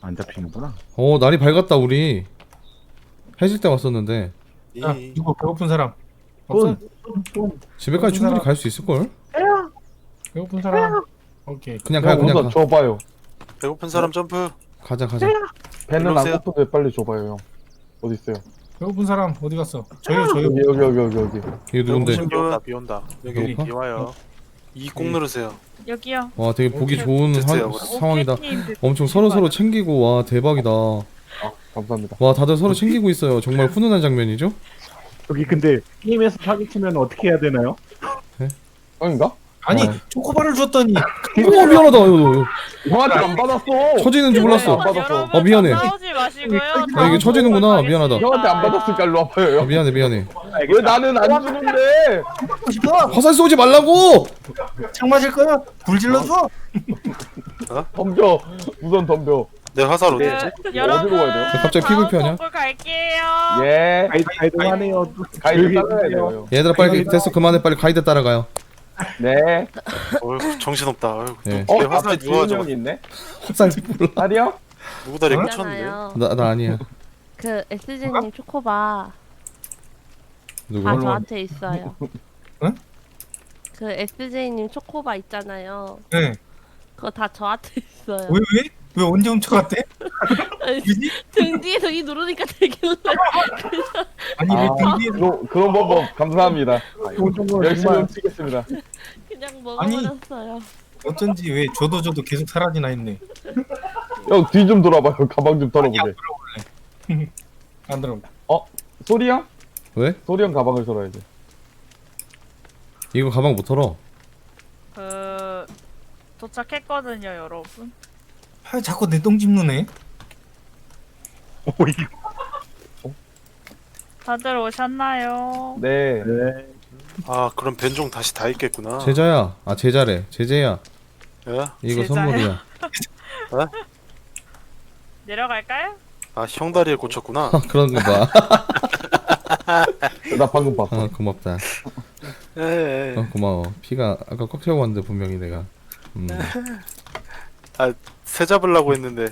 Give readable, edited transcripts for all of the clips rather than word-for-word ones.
안 잡히는구나. 날이 밝았다 우리. 해질 때 왔었는데 야, 이거 배고픈 사람 없어? 집에까지 충분히 갈 수 있을걸? 배고픈 사람. 오케이. 그냥 가 그냥 가. 줘봐요. 배고픈 사람 점프. 가자 가자. 배는 일로 안 오세요. 고픈데 빨리 줘봐요 형. 어디 있어요? 배고픈 사람 어디 갔어? 저요. 여기. 이거 누군데? 배고프신 비 온다 분. 비 온다 여기 배고파? 비 와요. 이 꼭 누르세요. 여기요. 와 되게 보기 오케이. 좋은 됐어요. 상황이다. 오케이님, 엄청 서로 챙기고 와 대박이다. 감사합니다. 와 다들 서로 챙기고 있어요. 정말 훈훈한 장면이죠? 여기 근데 게임에서 사기치면 어떻게 해야 되나요? 형인가? 아니 어. 초코바를 줬더니 오 미안하다. 형한테 안 받았어. 처지는 줄 몰랐어. 안 받았어. 여러분 미안해. 싸우지 마시고요. 이게 처지는구나. 미안하다. 형한테 안 받았으니까 일로 와봐요. 형. 미안해. 왜 나는 안 주는데? 싶어? 화살 쏘지 말라고. 창 맞을 거야? 불 질러줘? 덤벼. 우선 덤벼. 내 화살 어디 있지? 여러분 어디로 가야 돼요? 갑자기 피부표 하냐? 동굴 갈게요. 예. 가이드하네요. 가이드 따라야 돼요. 얘들아 빨리 됐어 그만해 빨리 가이드 따라가요. 네. 어휴 정신없다. 어휴, 네. 내 화살 앞에 누가 지훈 저 형이 있네. 화살 몰라. 딸이 형? 누구 다리 꽂혔는데? 있잖아요. 나 아니야. 그 SG님 초코바 누구? 다 저한테 있어요. 응? 그 SJ님 초코바 있잖아요. 네. 그거 다 저한테 있어요. 왜? 왜 언제 훔쳐갔대? 아니, 그지? 등 뒤에서 이 누르니까 되길래. 아니 왜 등뒤에 그런 방법 감사합니다. 열심히 정말 훔치겠습니다. 그냥 아니. 먹어버렸어요. 어쩐지 왜 저도 계속 사라지나 했네. 형 뒤 좀 돌아봐요. 가방 좀 털어보게. 안 들어. 소리 형? 왜? 소리 형 가방을 털어야지. 이거 가방 못 털어. 도착했거든요, 여러분. 아 자꾸 내 똥 짚누네. 다들 오셨나요? 네. 네. 아 그럼 변종 다시 다 있겠구나. 제자야. 아 제자래. 제재야. 예? 이거 제자야? 선물이야. 내려갈까요? 아 형 다리에 꽂혔구나. 그런 거 봐. 나 방금 봤어. 고맙다. 예. 고마워. 피가 아까 꽉 채워 왔는데 분명히 내가. 새 잡으려고 했는데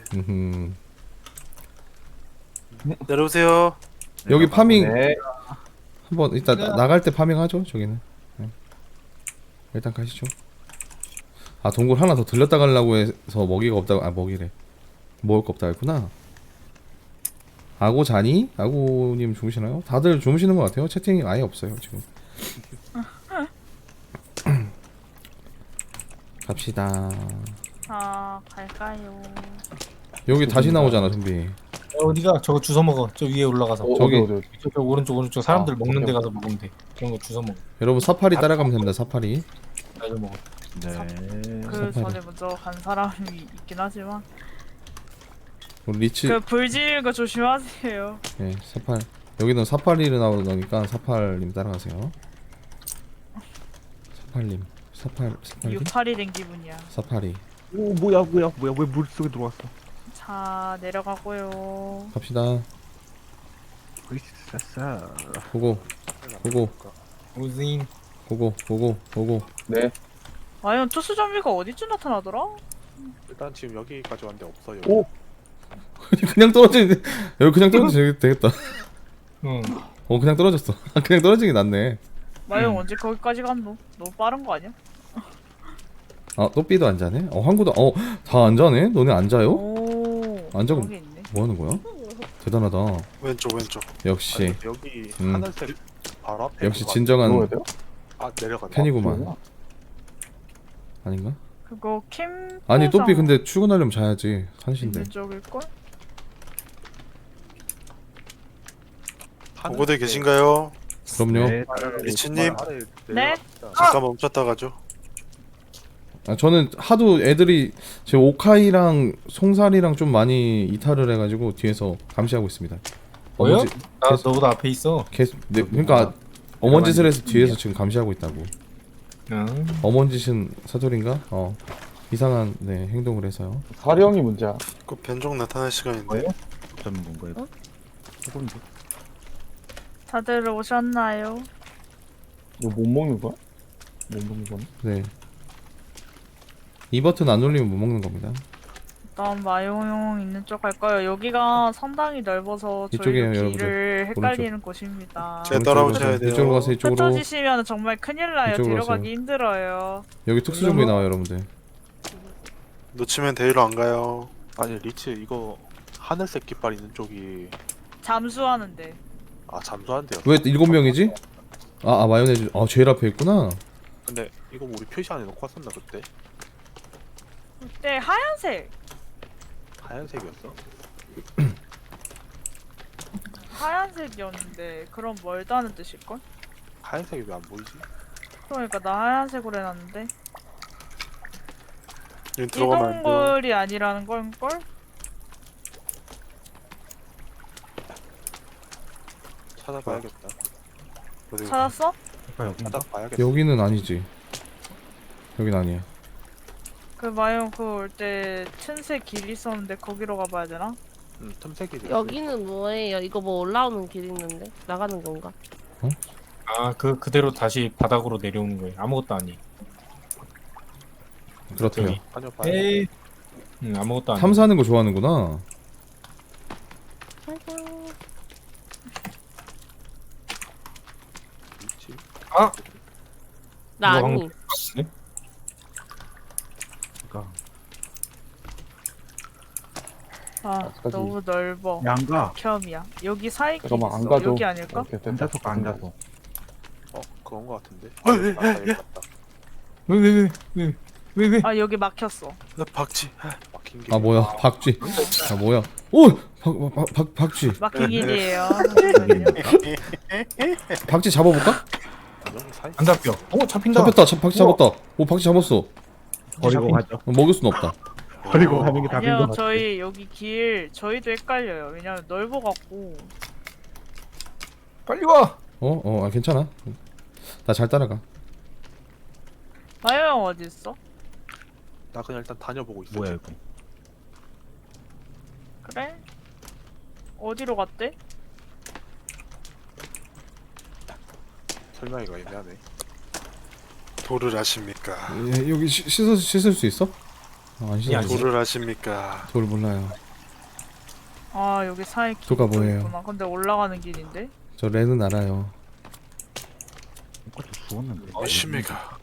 내려오세요. 여기 파밍 네. 한번 이따 나갈 때 파밍하죠. 저기는. 네. 일단 가시죠. 아 동굴 하나 더 들렸다 가려고 해서 먹이가 없다고. 아 먹이래. 먹을 거 없다 했구나. 아고 자니? 아고님 주무시나요? 다들 주무시는 것 같아요. 채팅이 아예 없어요 지금. 갑시다. 갈까요? 여기 다시 나오잖아 좀비. 어디가? 저거 주워 먹어. 저 위에 올라가서. 저기. 어디. 저 오른쪽 사람들 아, 먹는 데 오케이. 가서 먹으면 돼. 그런 거 주워 먹어. 여러분 사파리 따라가면 됩니다. 사파리. 나도 먹어. 네. 그 전에 먼저 간 사람이 있긴 하지만 우리 리치. 그 불 지르는 거 조심하세요. 네 사팔. 여기는 사파리를 나오니까 사팔님 따라가세요. 사팔님. 사팔님. 유팔이 된 기분이야. 사파리. 오 뭐야 왜 물속에 들어왔어? 자, 내려가고요. 갑시다. 으쌰싸. 고고. 우진. 고고. 네. 과연 투수 좀비가 어디쯤 나타나더라? 일단 지금 여기까지 왔는데 없어요. 오. 그냥 떨어지는데 여기 그냥 떨어지면 되겠다. 응. 그냥 떨어졌어. 그냥 떨어지는 게 낫네. 마영 언제 거기까지 갔노? 너무 빠른 거 아니야? 아 또삐도 안 자네? 황구도 다 안 자네? 너네 안 자요? 오, 안 자고 여기 있네. 뭐 하는 거야? 대단하다. 왼쪽. 역시 아니, 여기 음. 하늘색 바로 앞에. 역시 뭐가- 진정한 들어가야 돼요? 아 내려간다. 팬이구만. 아닌가? 그거 캠. 아니 또삐 근데 출근하려면 자야지. 1시인데. 있는 쪽일걸? 보고대 계신가요? 그럼요. 네. 리치님 네? 잠깐 멈췄다 가죠. 아, 저는 하도 애들이 제 오카이랑 송살이랑 좀 많이 이탈을 해가지고 뒤에서 감시하고 있습니다. 뭐요? 어머지- 나 계속- 너보다 앞에 있어. 계속 그러니까 어먼짓을 해서 뒤에서 지금 감시하고 있다고. 응. 어먼짓은 사돌인가? 이상한 행동을 해서요. 사리 형이 문제야. 그 변종 나타날 시간인데. 뭐예요? 어떤 건가요? 조금인데. 다들 오셨나요? 이거 못 먹는 거야? 못 먹는 거네. 네. 이 버튼 안 눌리면 못 먹는 겁니다. 일단 마용 있는 쪽 갈까요? 여기가 상당히 넓어서 이쪽이에요, 저희 여러분들. 길을 헷갈리는 곳입니다. 제 따라오셔야 돼요. 이쪽으로 가서 이쪽으로. 흩어지시면 정말 큰일 나요. 이쪽으로 데려가기 가세요. 힘들어요. 여기 특수 정비 나와요, 여러분들. 놓치면 데리러 안 가요. 아니 리치 이거 하늘색 깃발 있는 쪽이 잠수하는데. 잠수한대요. 왜 7명이지? 마요네즈. 제일 앞에 있구나. 근데 이거 우리 표시 안에 놓고 왔었나 그때? 그때 하얀색. 하얀색이었어? 하얀색이었는데 그럼 멀다는 뜻일걸? 하얀색이 왜 안 보이지? 그러니까 나 하얀색으로 해놨는데 여기 들어가면 안 돼요. 이동굴이 아니라는 걸걸? 찾아봐야겠다. 어디 찾았어? 아까 여긴가? 찾아봐야겠다. 여기는 아니지. 여긴 아니야. 그 마용 그 올 때 틈새 길 있었는데 거기로 가봐야 되나? 틈새끼들. 여기는 뭐예요? 이거 뭐 올라오는 길 있는데 나가는 건가? 그대로 다시 바닥으로 내려오는 거예요. 아무것도 아니. 그렇대요. 저기. 다녀봐야 에이. 아무것도 아니. 탐사하는 거 좋아하는구나. 짜잔. 리치. 나 이거 아니. 네? 그러니까. 너무 넓어. 양가. 겸이야. 여기 사이 길 잠깐만 안 있어. 가도 여기 아닐까? 이렇게 됐다. 앉아서 가, 앉아서. 그런 거 같은데. 왜? 아 여기 막혔어. 나 박쥐. 막힌 게. 뭐야? 박쥐. 뭐야? 오! 박쥐. 막힌 길이에요. 박쥐 잡아볼까? 안 잡혀. 잡힌다. 잡혔다. 박쥐 잡았다. 오, 박쥐 잡았어. 버리고 가죠. 먹일 순 없다. 버리고 가는 게 답인 것 아니요 같아. 저희 여기 길 저희도 헷갈려요. 왜냐면 넓어갖고. 빨리 와. 괜찮아. 나 잘 따라가. 마요 형 어디 있어? 나 그냥 일단 다녀보고 있어. 뭐야 지금. 이거? 그래? 어디로 갔대? 설명이가 애매하네. 돌을 아십니까? 여기 씻을 수 있어? 안 씻을 수 있어. 돌을 아십니까? 돌 몰라요. 아 여기 사이 길 도가 뭐예요? 있구나. 근데 올라가는 길인데? 저 레는 알아요. 이것도 죽었는데. 아십니까?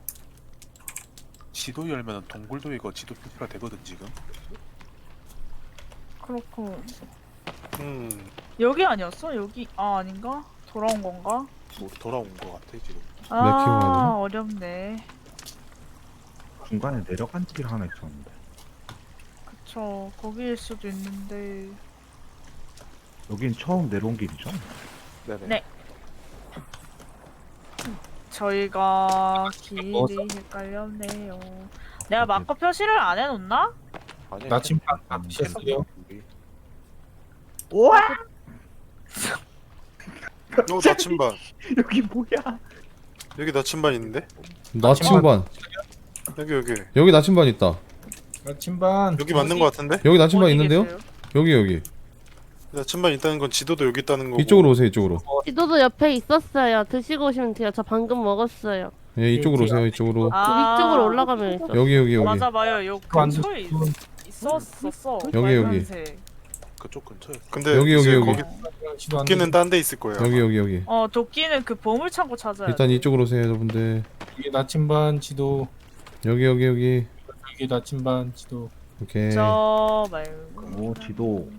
지도 열면은 동굴도 이거 지도 표시가 되거든 지금. 그렇고 여기 여기 아니었어? 여기 아닌가? 돌아온 건가? 뭐 돌아온 거 같아 지금. 키고 가야 되나? 어렵네. 중간에 내려간 길 하나 있었는데. 그쵸 거기일 수도 있는데 여긴 처음 내려온 길이죠? 네네. 네. 저희가 길이 먹었어? 헷갈렸네요. 내가 마커 표시를 안 해놓나? 아니. 나침반 셨어요. 우와! 나침반. 여기 뭐야? 여기 나침반 있는데? 나침반. 여기. 여기 나침반 있다. 나침반. 여기 맞는 거 같은데? 여기 나침반 어디 있는데요? 계세요? 여기. 나침반 있다는 건 지도도 여기 있다는 거고. 이쪽으로 오세요. 이쪽으로. 지도도 옆에 있었어요. 드시고 오시면 돼요. 저 방금 먹었어요. 예, 이쪽으로 오세요. 이쪽으로. 위쪽으로 올라가면 있어. 여기. 맞아 봐요. 요 근처에 있었어. 여기. 빨간색. 그쪽 근처에. 근데 여기. 이제 거기 지도 안 도끼는 딴 데 있을 거예요. 여기. 도끼는 그 보물 창고 찾아야 돼. 일단 이쪽으로 오세요, 여러분들. 이게 나침반 지도. 여기. 이게 나침반 지도. 오케이. 저 말고. 오 지도.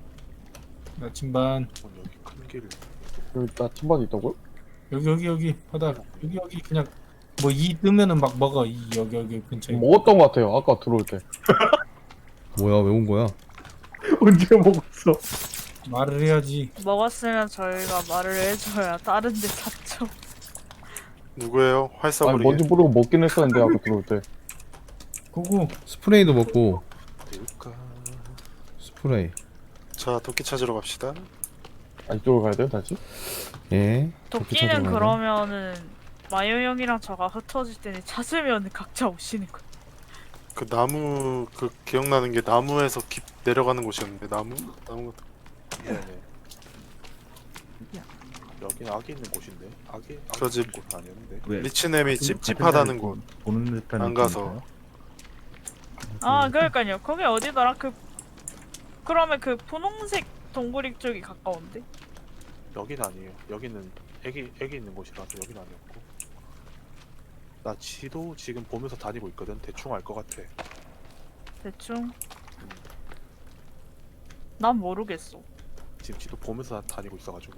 나침반. 여기 큰 길. 여기 나침반이 있다고요? 여기 바닥. 여기 그냥 뭐 이 뜨면은 막 먹어. 이 여기 근처에. 먹었던 것 같아요. 아까 들어올 때. 뭐야, 왜 온 거야? 언제 먹었어? 말을 해야지. 먹었으면 저희가 말을 해줘야 다른 데 샀죠. 누구예요? 아니 활사버리. 뭔지 모르고 먹긴 했었는데 아까 들어올 때. 고고. 스프레이도 먹고. 될까? 스프레이. 자, 도끼 찾으러 갑시다. 이쪽으로 가야 돼요 다시? 예. 도끼 찾으러 도끼는 가야 돼. 그러면은 마요 형이랑 저가 흩어질 때는 찾으면 각자 오시는 거야. 그 나무 그 기억나는 게 나무에서 깊 내려가는 곳이었는데 나무 네네. 여기는 악이 있는 곳인데. 악이 그러지. 있는 곳은 아니었는데. 왜? 리치넴이 찝찝하다는 곳. 보는 듯한 안 가서. 느낌인가요? 아 그러니까요. 거기 어디더라? 그러면 그 분홍색 동굴이 쪽이 가까운데? 여기는 아니에요. 여기는 애기 있는 곳이라서 여기는 아니었고. 나 지도 지금 보면서 다니고 있거든. 대충 알 것 같아. 대충. 난 모르겠어. 지금 지도 보면서 다니고 있어가지고.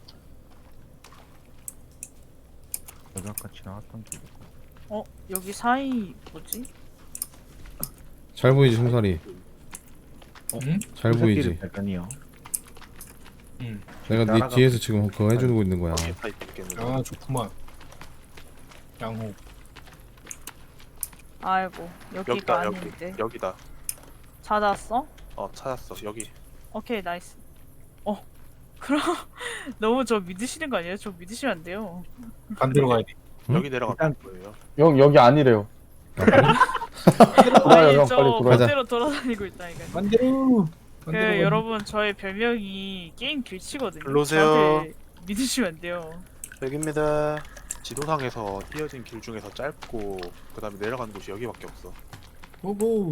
여기 아까 지나갔던 길. 여기 사이 뭐지? 잘 보이지 송사리. 응? 잘 보이지. 발견이요. 응. 내가 네 날아가- 뒤에서 지금 그거 해주고 있는 거야. 여기에 다 있겠는데. 아 좋구만. 양호. 아이고 여기가 여기다 여기. 아닌데. 여기다. 찾았어? 찾았어. 여기. 오케이 나이스. 그럼 너무 저 믿으시는 거 아니에요? 저 믿으시면 안 돼요. 반대로 가야 돼. 응? 여기 내려가는 일단- 거예요. 형 여기 아니래요. 돌아요 아니 형 저 빨리 돌아요. 가자. 반대로 돌아다니고 있다니까. 반대로. 그 반대로 여러분 저의 별명이 게임 길치거든요. 일로 오세요. 저한테 믿으시면 안 돼요. 여기입니다. 지도상에서 이어진 길 중에서 짧고 그다음에 내려가는 곳이 여기밖에 없어. 고고.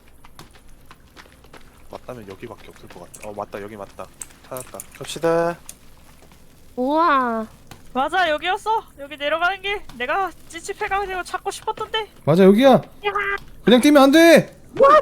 맞다면 여기밖에 없을 것 같아. 맞다. 여기 맞다. 찾았다. 갑시다. 우와. 맞아 여기였어. 여기 내려가는 길 내가 찌찌해가지고 찾고 싶었던데. 맞아 여기야. 그냥 뛰면 안 돼.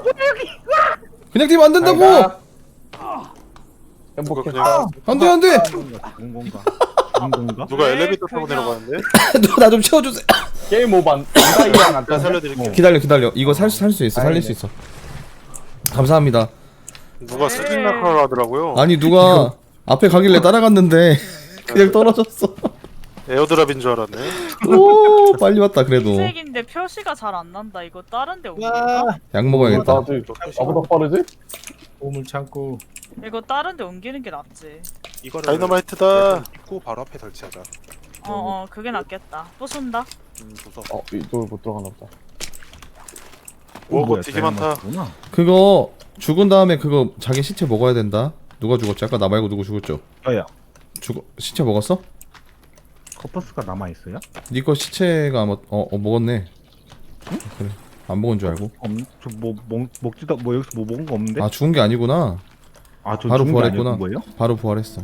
그냥 뛰면 안 된다고. 가. 누가 행복해. 그냥 안돼 안돼. 죽은 건가? 죽은 건가? 누가 왜 엘리베이터 타고 그냥- 내려가는데? 나 좀 채워주세요. 게임 오반. 이랑 안 제가 타. 살려드릴게요. 기다려. 이거 살 수 있어. 살릴 수 있어. 감사합니다. 누가 네. 스팅 낙하를 하더라고요. 아니 누가 앞에 가길래 따라갔는데 그냥 떨어졌어. 에어드랍인 줄 알았네. 오 빨리 왔다 그래도. 흰색인데 표시가 잘 안 난다. 이거 다른 데 옮길까? 약 먹어야겠다. 나도 나보다 빠르지? 보물 참고. 이거 다른 데 옮기는 게 낫지. 이거를 다이너마이트다. 입구 바로 앞에 설치하자. 그게 낫겠다. 부순다. 무서워. 이쪽을 못 들어가나 보다. 오, 뭐야, 되게 많다. 다이너마이트구나. 그거 죽은 다음에 그거 자기 시체 먹어야 된다. 누가 죽었지? 아까 나 말고 누구 죽었죠? 저야. 시체 먹었어? 커퍼스가 남아 있어요? 네 거 시체가 아마 먹었네. 그래 안 먹은 줄 알고. 저뭐 먹지도 뭐 여기서 뭐 먹은 거 없는데? 아 죽은 게 아니구나. 저 바로 죽은 게 부활했구나. 아니었던 거예요? 바로 부활했어.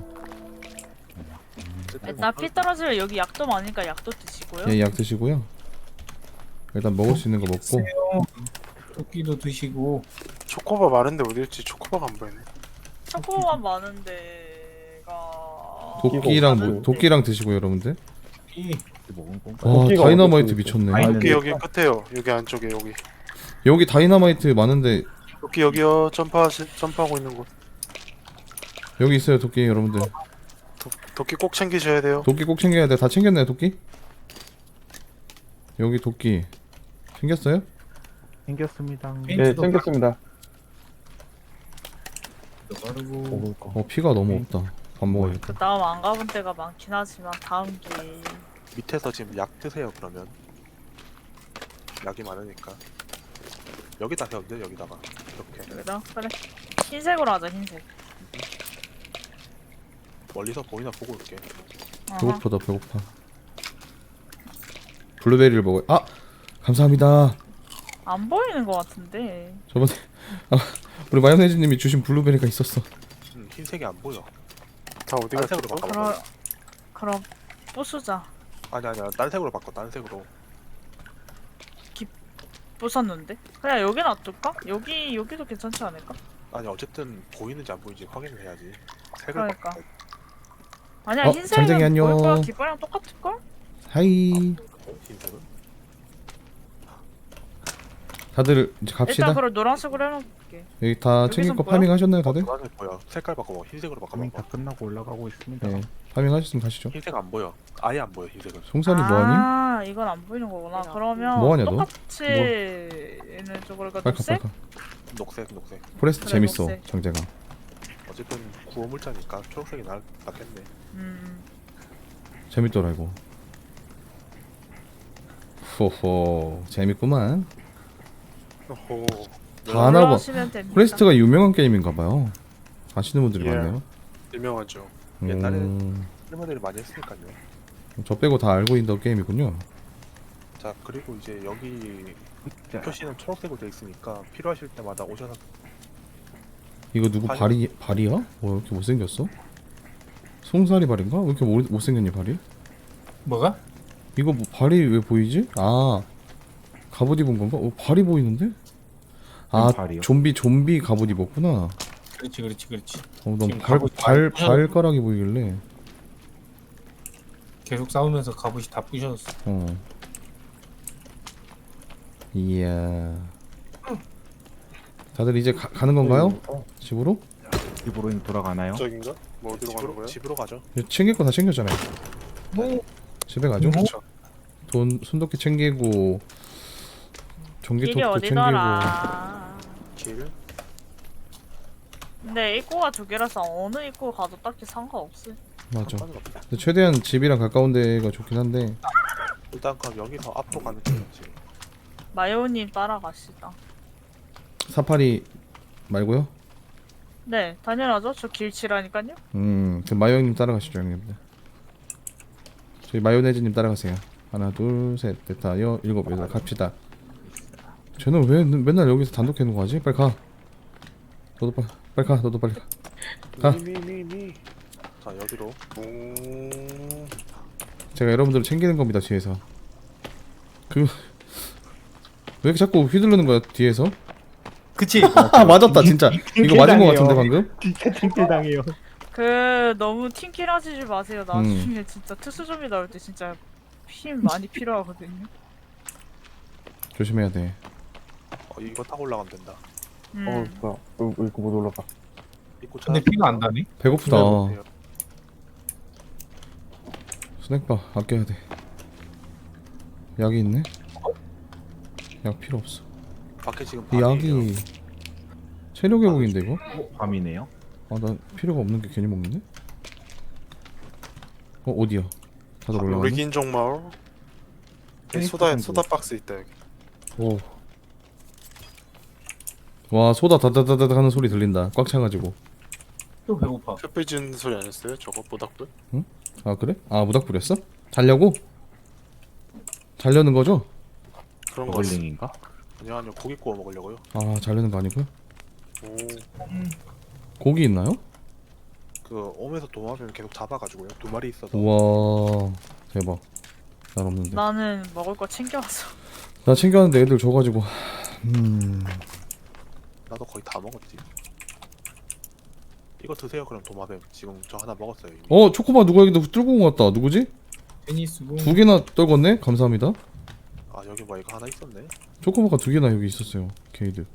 일단 피 떨어지면 여기 약도 많으니까 약도 드시고요. 예, 약 드시고요. 일단 먹을 수 있는 거 먹고. 토끼도 드시고. 초코바 많은데 어디 있지? 초코바가 안 보이네. 초코가 많은 데가 도끼랑 많은데. 도끼랑 드시고 여러분들. 이 먹은 건가? 와 도끼가 다이너마이트 어디 미쳤네. 아니, 여기 근데- 여기 끝에요. 여기 안쪽에 여기. 여기 다이너마이트 많은데 여기요. 점프하고 있는 곳. 여기 있어요 도끼 여러분들. 도끼 꼭 챙기셔야 돼요. 도끼 꼭 챙겨야 돼. 다 챙겼나요 도끼? 여기 도끼 챙겼어요? 생겼습니다. 네 챙겼습니다. 바르고. 먹을 거. 피가 너무 없다. 밥 먹어야겠다. 그 다음 안 가본 데가 많긴 하지만 다음 길 밑에서 지금 약 드세요. 그러면 약이 많으니까 여기다 세우면 돼. 여기다가 이렇게 그래. 흰색으로 하자 흰색. 멀리서 보이나 보고 올게. 어허. 배고프다 배고파. 블루베리를 먹어요. 아 감사합니다. 안 보이는 것 같은데. 저번에 우리 마요네즈님이 주신 블루베리가 있었어. 흰색이 안 보여. 다 어디 갔어? 딴색으로 바꿔봐. 그럼 부수자. 아니야. 딴 색으로 바꿔. 딴 색으로. 부쉈는데? 그냥 여기 놔둘까? 여기도 괜찮지 않을까? 아니 어쨌든 보이는지 안 보이는지 확인을 해야지. 색을 그러니까. 바꿔. 아니야 장쟁이 흰색은 안녕. 보일 거야. 깃발이랑 똑같을 걸? 하이. 흰색은. 다들 이제 갑시다. 일단 그걸 노란색으로 해놓을게. 여기 다 챙길 여기선 거 뭐야? 파밍 하셨나요 다들? 노란색 보여. 색깔 바꿔봐. 흰색으로 파밍 바꿔봐. 다 끝나고 올라가고 있습니다. 네. 파밍 하셨으면 가시죠. 흰색 안 보여. 아예 안 보여. 흰색은. 송사리 뭐하니? 아 이건 안 보이는 거구나. 그러면 뭐하냐, 너? 똑같이 있는 쪽으로 가 빨카 녹색? 빨카. 녹색. 포레스트 그래, 재밌어 녹색. 정재가. 어쨌든 구호물자니까 초록색이 낫겠네. 재밌더라 이거. 호호 재밌구만. 오. 다 하나 봐. 올라오시면 됩니다. 포레스트가 유명한 게임인가봐요. 아시는 분들이 예. 많네요. 유명하죠. 옛날에- 할머니를 많이 했으니까요. 저 빼고 다 알고 있는 게임이군요. 자 그리고 이제 여기 표시는 초록색으로 돼 있으니까 필요하실 때마다 오셔서 이거 누구 발이야? 뭐 이렇게 못생겼어? 송사리 발인가? 왜 이렇게 못생겼니 발이? 뭐가? 이거 뭐 발이 왜 보이지? 아 갑옷 입은 건가? 발이 보이는데? 아 발이요? 좀비 갑옷 입었구나. 그렇지. 넌 지금 갑옷 잘 발가락이 보이길래. 계속 싸우면서 갑옷이 다 부셔졌어. 이야. 다들 이제 가는 건가요? 집으로? 집으로 돌아가나요? 저긴가? 뭐 어디로 가는 거야? 집으로 가죠. 챙길 거 다 챙겼잖아요. 뭐 집에 가죠. 그렇죠. 돈 순덕기 챙기고 길이 전기톱도 챙기고. 어디더라? 길. 근데 입구가 두 개라서 어느 입구 가도 딱히 상관없어. 맞아. 상관은 없다. 근데 최대한 집이랑 가까운 데가 좋긴 한데. 일단 그럼 여기서 앞으로 가는 길이지. 마요님 따라가시다. 사파리 말고요? 네, 당연하죠. 저 길치라니까요. 그 마요 형님 따라가시죠 형님들. 저희 마요네즈님 따라가세요. 하나 둘셋넷 다 일곱 여덟 갑시다. 쟤는 왜 맨날 여기서 단독 해놓은 거지? 빨리 가. 너도 빨리 가. 너도 빨리 가. 가. 미. 자 여기로. 제가 여러분들을 챙기는 겁니다 뒤에서. 왜 이렇게 자꾸 휘두르는 거야 뒤에서? 그치? 아 맞았다 진짜. 이거 맞은 거 같은데 방금? 진짜 팀킬 당해요. 너무 팀킬 하시지 마세요. 나중에 진짜 특수좀비 나올 때 진짜 힘 많이 필요하거든요. 조심해야 돼. 이거 타고 올라가면 된다. 뭐야. 이거 못 올라가. 입구 근데 피가 안 나네. 배고프다. 네. 스낵바 아껴야 돼. 약이 있네? 약 필요 없어. 밖에 지금 이 밤이에요. 약이 체력 회복인데 이거? 밤이네요. 아 나 필요가 없는 게 괜히 먹는데? 어디야? 다들 올라가네? 리긴종 마을. 여기 소다 박스 있다 여기. 오. 와 소다 다다다다 하는 소리 들린다. 꽉 차가지고. 또 배고파. 횃불 지는 소리 안 했어요? 저거 모닥불? 아 그래? 아 무닥불이었어? 자려고? 자려는 거죠? 그런 거 같아. 버글링인가? 아니요 고기 구워 먹으려고요. 아 자려는 거 아니고요? 오. 고기 있나요? 그 오면서 도마뱀 계속 잡아가지고요. 2마리 있어서. 우와 대박. 난 없는데. 나는 먹을 거 챙겨와서. 나 챙겨왔는데 애들 줘가지고. 나도 거의 다 먹었지. 이거 드세요 그럼 도마뱀. 지금 저 하나 먹었어요 이미. 초코바 누가 여기다 뚫고 온 것 같다. 누구지? 테니스고. 2개나 떨궜네? 감사합니다. 아 여기 뭐 이거 하나 있었네. 초코바가 2개나 여기 있었어요. 게이드.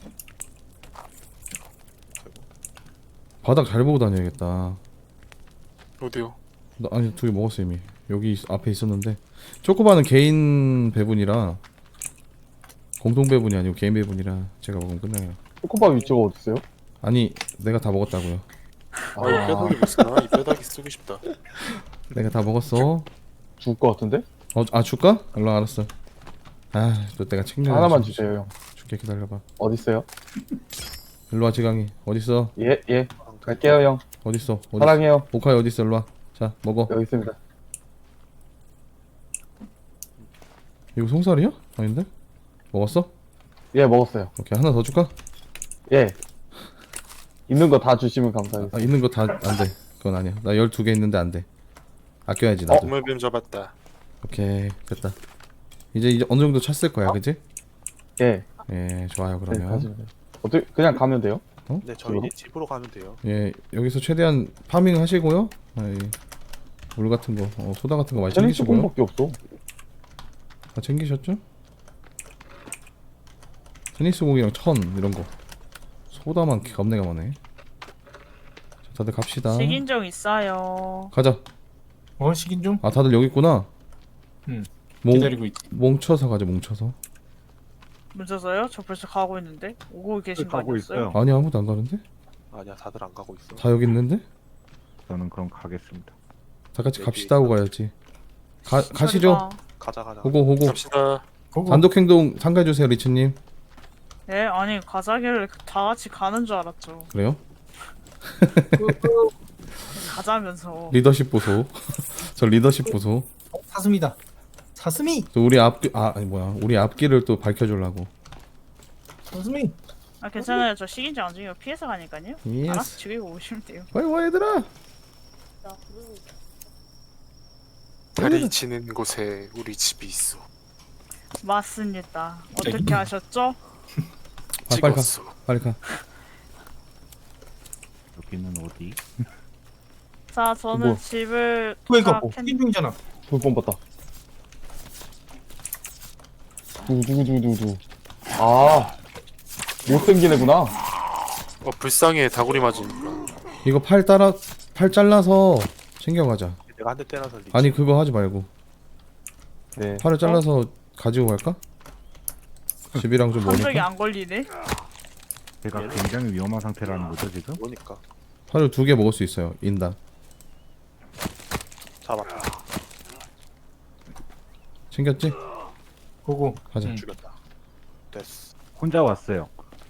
바닥 잘 보고 다녀야겠다. 어디요? 나 아니 2개 먹었어 이미. 여기 앞에 있었는데 초코바는 개인 배분이라 공동 배분이 아니고 개인 배분이라 제가 먹으면 끝나요. 초코바 위치가 어딨어요? 아니 내가 다 먹었다고요. 아, 이 뼈다귀 있으나? 이 뼈다귀 쓰고 싶다. 내가 다 먹었어. 죽을 것 같은데? 줄까? 얼른 알았어. 또 내가 챙겨. 하나만 주세요 형. 줄게 기다려봐. 어딨어요? 일로와 지강이. 어딨어? 예. 갈게요 형. 어딨어? 사랑해요. 모카이 어딨어? 일로와. 자 먹어. 여기 있습니다. 이거 송살이야? 아닌데? 먹었어? 예 먹었어요. 오케이 하나 더 줄까? 예. 있는 거 다 주시면 감사하겠습니다. 있는 거 다 안돼. 그건 아니야. 나 12개 있는데 안돼. 아껴야지 나도. 동물뱀 잡았다. 오케이 됐다. 이제 어느 정도 찼을 거야, 그지? 예. 예, 좋아요 네, 그러면. 가시면 돼요. 어떻게 그냥 가면 돼요? 네 저희 이제 집으로 가면 돼요. 예, 여기서 최대한 파밍 하시고요. 물 같은 거, 소다 같은 거 많이 테니스 챙기시고요. 공밖에 없어. 다 챙기셨죠? 테니스 공이랑 천 이런 거. 소다만 겁내가 많네. 자, 다들 갑시다. 식인종 있어요. 가자. 식인 좀 다들 여기 있구나. 응. 몽, 기다리고 있지. 뭉쳐서 가자, 뭉쳐서. 문자서요? 저 벌써 가고 있는데 오고 계신 거 가고 아니었어요? 있어요. 아니 아무도 안 가는데? 아니야 다들 안 가고 있어. 다 여기 있는데? 저는 그럼 가겠습니다. 다 같이 갑시다 하고 가야지. 가시죠. 가자. 호고. 갑시다. 단독 행동 참가해 주세요, 리치님. 네, 아니 가자길래 다 같이 가는 줄 알았죠. 그래요? 가자면서. 리더십 보소. 저 리더십 보소. 사슴이다. 사스미 또 우리 앞 아니 뭐야 우리 앞길을 또 밝혀주려고. 사스미. 아 괜찮아요. 저 식인지 안 죽이고 피해서 가니까요. 예스. 알아서 죽이고 오시면 돼요. 빨리 와 얘들아. 달이 지는 곳에 우리 집이 있어. 맞습니다. 어떻게 아셨죠? 빨리 가. 찍었어. 빨리 가. 여기는 어디? 자 저는 뭐. 집을 이거 다 캔- 캔빙잖아. 불법 봤다. 누구. 아, 못생긴 애구나. 불쌍해 다구리 맞으니까. 이거 팔 잘라서 챙겨가자. 내가 한 대 때려서 리치. 아니 그거 하지 말고 네. 팔을 잘라서 가지고 갈까? 집이랑 좀 함정이 머니까? 안 걸리네. 제가 굉장히 위험한 상태라는 거죠 지금? 뭐니까 팔을 2개 먹을 수 있어요. 인당. 잡았다. 챙겼지? 보고. 가자. 응. 죽였다. 됐어. 혼자 왔어요.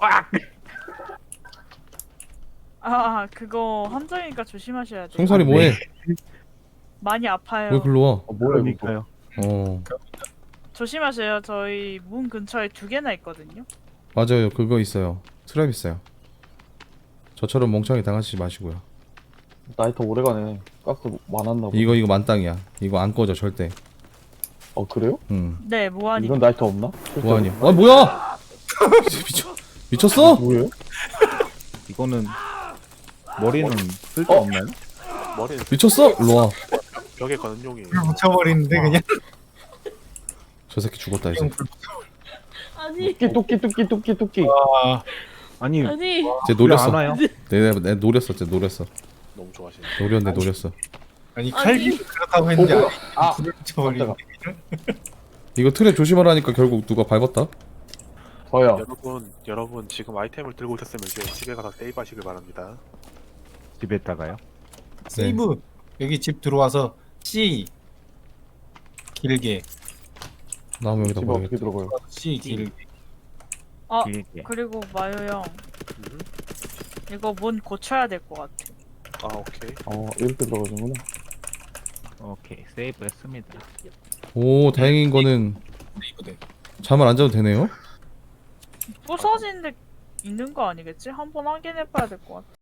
아 그거 함정이니까 조심하셔야 돼요. 송설이 뭐해? 많이 아파요. 왜 글로 와? 뭐야 이거? 그러니까요. 어 조심하세요. 저희 문 근처에 2개나 있거든요. 맞아요. 그거 있어요. 트랩 있어요. 저처럼 멍청이 당하시지 마시고요. 나이트 오래가네. 가스 많았나 보다. 이거 만땅이야. 이거 안 꺼져 절대. 그래요? 네 무한히. 이런 나이트 없나? 뭐하냐? 아 뭐야? 미쳤어? 뭐예요? 이거는 머리는 쓸데 없나요? 머리는 미쳤어? 일로 와. 벽에 거는 용이에요. 붙여버리는데 그냥. 저 새끼 죽었다 이제. 아니 토끼. 아, 아니 아니 쟤 왜 노렸어. 안 와요? 내 노렸어. 쟤 노렸어. 너무 좋아하시네. 노렸어. 아니 칼비 그렇다고 했는데 아, 불을 붙여버리는데. 이거 트랩 조심하라니까 결국 누가 밟았다? 저요. 여러분 지금 아이템을 들고 오셨으면 이제 집에 가서 세이브하시길 바랍니다. 집에다가요? 세이브. 여기 집 들어와서 C 길게. 나오면 여기다 집 어떻게 버리겠다. 들어가요? C 길게. 아 길게. 그리고 마요 형 이거 문 고쳐야 될 것 같아. 아 오케이. 이렇게 들어가는구나. 오케이 세이브 했습니다. 오 다행인 거는 세이브 돼. 잠을 안 자도 되네요? 부서진 데 있는 거 아니겠지? 한번 확인해봐야 될 것 같아.